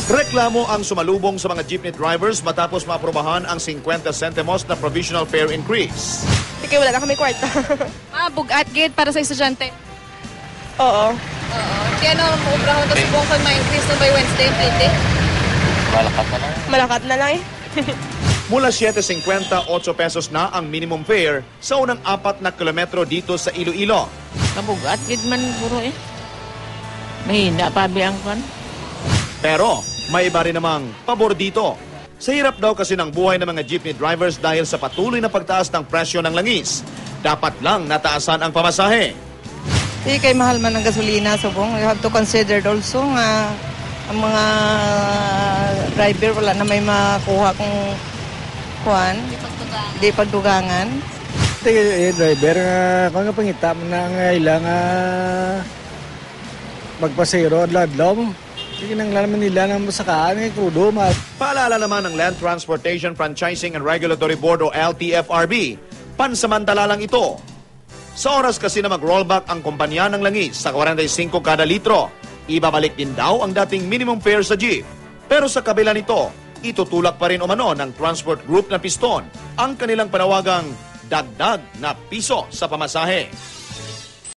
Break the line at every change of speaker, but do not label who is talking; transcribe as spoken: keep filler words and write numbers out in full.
Reklamo ang sumalubong sa mga jeepney drivers matapos maaprobahan ang fifty centimos na provisional fare increase.
Sige, wala na kami kwarta.
Ah, bugat gate para sa estudyante.
Oo.
Oo. Kaya ano, maubrahan ito subong kung ma-increase na by Wednesday, Friday?
Malakat na lang.
Malakat na lang eh.
Mula seven fifty, eight pesos na ang minimum fare sa unang apat na kilometro dito sa Iloilo.
Kabugat, gid man puro eh. Mahina pa biyang kon.
Pero may iba rin namang pabor dito. Sa hirap daw kasi ng buhay ng mga jeepney drivers dahil sa patuloy na pagtaas ng presyo ng langis. Dapat lang nataasan ang pamasahe.
Di kay mahal man ang gasolina, subong. You have to consider also nga ang mga driver wala na may makuha kung kuan, di pagdugangan.
Ito eh, driver, uh, kung nga pangita mo na nga ilang uh, magpasero at ladlaw mo. Sige nang lalaman nila ng masakaan, eh, krudo, ma.
Paalala naman ng Land Transportation Franchising and Regulatory Board o L T F R B, pansamantala lang ito. Sa oras kasi na mag-rollback ang kumpanya ng langis sa forty-five kada litro, ibabalik din daw ang dating minimum fare sa jeep. Pero sa kabila nito, itutulak pa rin umano ng transport group na Piston ang kanilang panawagang dagdag na piso sa pamasahe.